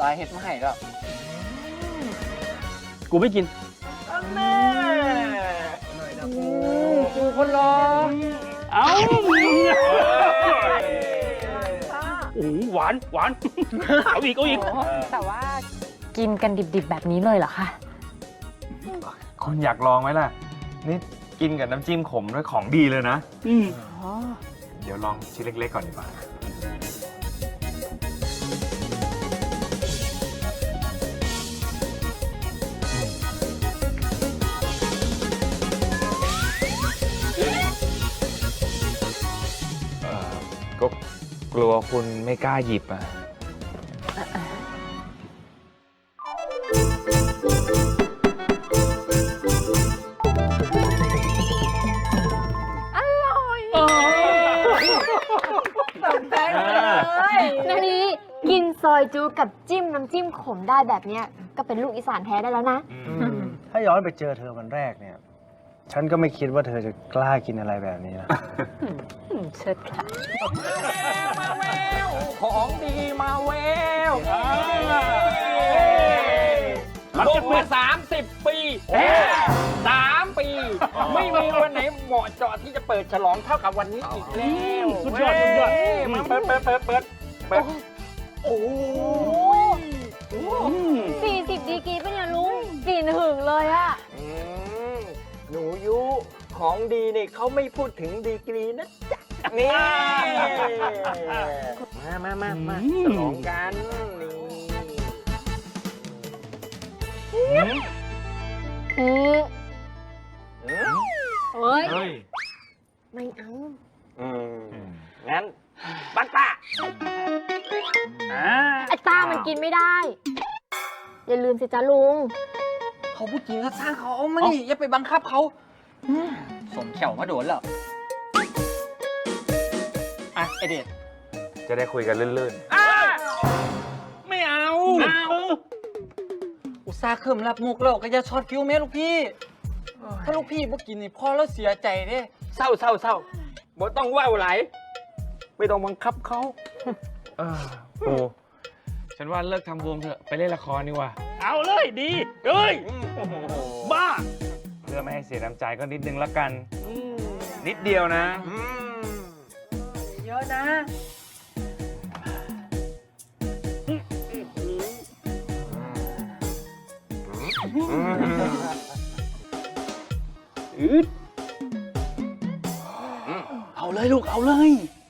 สายเห็ดมาให้แล้วกูไม่กินแม่กูคนรอเอาโอ้โหหวานหวานเอาอีกเอาอีกแต่ว่ากินกันดิบๆแบบนี้เลยเหรอคะคนอยากลองไหมล่ะ นี่กินกับน้ำจิ้มขมด้วยของดีเลยนะ เดี๋ยวลองชิ้นเล็กๆก่อนดีกว่าก็กลัวคุณไม่กล้าหยิบอ่ะนาลีกินซอยจูกับจิ้มน้ำจิ้มขมได้แบบเนี้ยก็เป็นลูกอีสานแท้ได้แล้วนะถ้าย้อนไปเจอเธอวันแรกเนี่ย ฉันก็ไม่คิดว่าเธอจะกล้ากินอะไรแบบนี้นะเชิดค่ะของดีมาแววรับลจะงเปิมาด 30 ปี3 ปี ไม่มีวันไหนเหมาะเจาะที่จะเปิดฉลองเท่ากับวันนี้อีกแล้วสุดยอดสุดยอดมาเปิดโอ้โห 40 ดีกรีเป็นเนี่ยลุงกลิ่นหึงเลยอะหนูยุของดีเนี่ยเขาไม่พูดถึงดีกรีนะจ๊ะนี่มาฉลองกันนี่เฮ้ยเฮ้ยไม่เอางั้นบัตตาไอ้ตามันกินไม่ได้ อย่าลืมสิจ้าลุงเขาพูดจริงก็สร้างเขาเอามานี่อย่าไปบังคับเขาสมเข่ามาโดนแล้วอ่ะไอเดชจะได้คุยกันลื่นไม่เอาอุตส่าห์เคิมรับมุกแล้วก็อย่าช็อตฟิวแม่ลูกพี่ ถ้าลูกพี่บ่กินนี่พ่อแล้วเสียใจเด้เศร้าบ่ต้องว่าวไหลไม่ต้องบังคับเขาๆ ปูฉันว่าเลิกทำวงเถอะ ไปเล่นละครดีกว่าเอาเลยดีเอ้ยบ้าเพื่อไม่ให้เสียน้ำใจก็นิดนึงละกัน นิดเดียวนะเยอะนะเอาเลยลูกเอาเลย